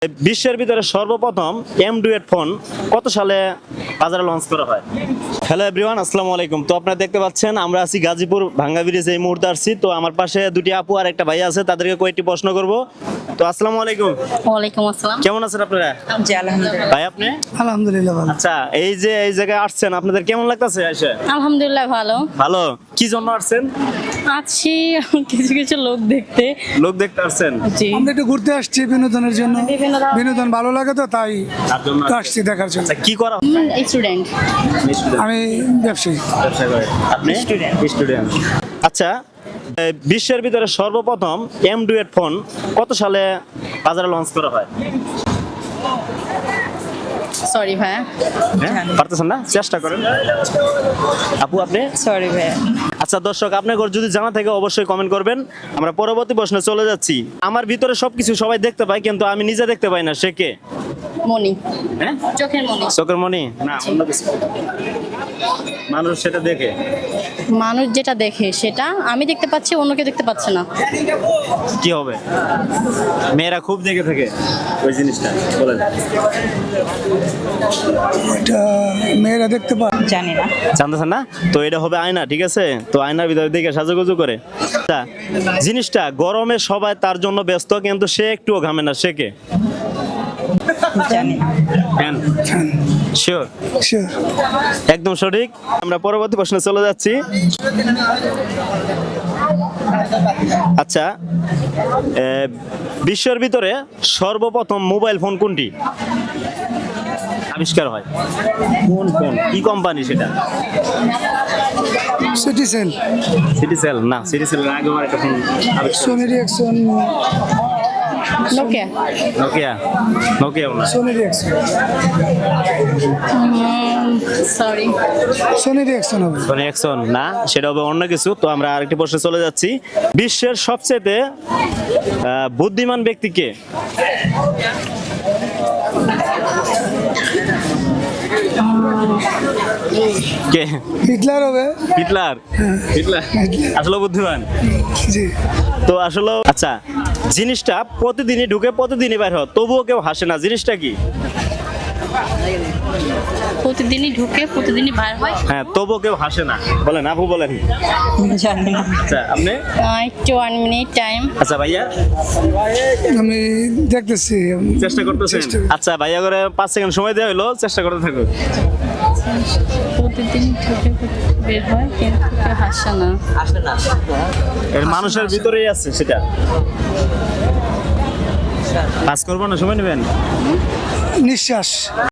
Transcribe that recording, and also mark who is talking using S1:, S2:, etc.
S1: বিশ্বের ভিতরে সর্বপ্রথম M2 ফোন কত সালে বাজারে লঞ্চ করা হয়? হ্যালো এভরিওয়ান, আসসালামু আলাইকুম। তো আপনারা দেখতে পাচ্ছেন আমরা আছি গাজীপুর ভাঙ্গা ব্রিজে, এই মুহূর্তে আসছি। তো আমার পাশে দুটি আপু আর একটা ভাই আছে, তাদেরকে কয়েকটি প্রশ্ন করব। তো আসসালামু আলাইকুম।
S2: ওয়ালাইকুম আসসালাম।
S1: কেমন আছেন আপনারা?
S2: জি আলহামদুলিল্লাহ।
S1: ভাই আপনি?
S3: আলহামদুলিল্লাহ ভালো।
S1: আচ্ছা, এই যে এই জায়গায় আসছেন, আপনাদের কেমন লাগতেছে এসে?
S2: আলহামদুলিল্লাহ ভালো
S1: ভালো। কি জন্য আসছেন?
S2: আছি কিছু কিছু লোক দেখতে।
S1: লোক দেখতে আসছেন?
S2: জি
S3: আমরা একটু ঘুরতে আসছি বিনোদনের জন্য,
S2: বিভিন্ন ধরনের-
S3: বিনোদন ভালো লাগে তো তাই
S1: তার জন্য
S3: আসছি দেখার জন্য।
S1: আচ্ছা, কি করা?
S2: স্টুডেন্ট।
S3: আমি ব্যবসায়ী।
S1: ব্যবসা করে। আপনি? স্টুডেন্ট। আচ্ছা, বিশ্বের ভিতরে সর্বপ্রথম M2 ফোন কত সালে বাজারে লঞ্চ করা হয়?
S2: সরি ভাইয়া।
S1: হ্যাঁ, পারতেছেন না? চেষ্টা করেন। আপু আপনি?
S2: সরি ভাইয়া।
S1: আচ্ছা দর্শক, আপনার যদি জানা থাকে অবশ্যই কমেন্ট করবেন। আমরা পরবর্তী প্রশ্নে চলে যাচ্ছি। আমার ভিতরে সবকিছু সবাই দেখতে পায়, কিন্তু আমি নিজে দেখতে পাই না, সে কে?
S2: মনি।
S1: হ্যাঁ,
S2: চোখের মনি।
S1: চোখের মনি না, অন্য কিছু। মানুষ সেটা দেখে।
S2: মানুষ যেটা দেখে সেটা আমি দেখতে পাচ্ছি, অন্য কেউ দেখতে পাচ্ছে না।
S1: কি হবে? মেয়েরা খুব দেখে থাকে ওই জিনিসটা, বলেন।
S3: এটা মেয়েরা দেখতে পায়।
S2: জানি না।
S1: জানতেছেন না? তো এটা হবে আয়না, ঠিক আছে? তো আয়নার ভিতরে দেখে সাজুগুজু করে। আচ্ছা, জিনিসটা গরমে সবাই তার জন্য ব্যস্ত, কিন্তু সে একটুও ঘামে না, সে কে?
S2: জানি না।
S1: ফ্যান। শিওর?
S3: Sure.
S1: একদম সঠিক। আমরা পরবর্তী প্রশ্নে চলে যাচ্ছি। আচ্ছা, বিশ্বের ভিতরে সর্বপ্রথম মোবাইল ফোন কোনটি আবিষ্কার হয়? কোন ফোন, কি কোম্পানি সেটা?
S3: সিটিসেল,
S1: সিটিসেল না, সিটিসেল আগে আমার একটা ফোন আবিষ্কার।
S3: Sony Ericsson,
S2: Nokia.
S1: নোকিয়া? নোকিয়াও না।
S3: Sony Ericsson,
S2: sorry.
S3: Sony Ericsson হবে।
S1: সোনি এক্সন না, সেটা হবে অন্য কিছু। তো আমরা আরেকটি প্রশ্নে চলে যাচ্ছি। বিশ্বের সবচেয়ে বুদ্ধিমান ব্যক্তি কে? কে?
S3: হিটলার হবে।
S1: হিটলার? হিটলার আসলে বুদ্ধিমান?
S3: জি।
S1: তো আসলে আচ্ছা, জিনিসটা প্রতিদিনই ঢুকে প্রতিদিনই বাইর হয়, তবুও কেউ হাসে না, জিনিসটা কি?
S2: প্রতিদিনই ঢুকে প্রতিদিনই বাইর হয়।
S1: হ্যাঁ, তবুও কেউ হাসে না, বলেন আপু, বলেন।
S2: জানি না।
S1: আচ্ছা আপনি?
S2: একটু 1 মিনিট টাইম।
S1: আচ্ছা ভাইয়া,
S3: আমি দেখতেছি।
S1: চেষ্টা করতেছেন?
S3: চেষ্টা করছি।
S1: আচ্ছা ভাইয়া, করে 5 সেকেন্ড সময় দেওয়া হলো, চেষ্টা করতে থাকুন।
S2: প্রতিদিন ঢুকে বের হয় কিন্তু কেউ হাসে না।
S1: এর মানুষের ভিতরেই আছে সেটা। কাজ করবো না, সময় নেবেন?
S3: নিঃশ্বাস।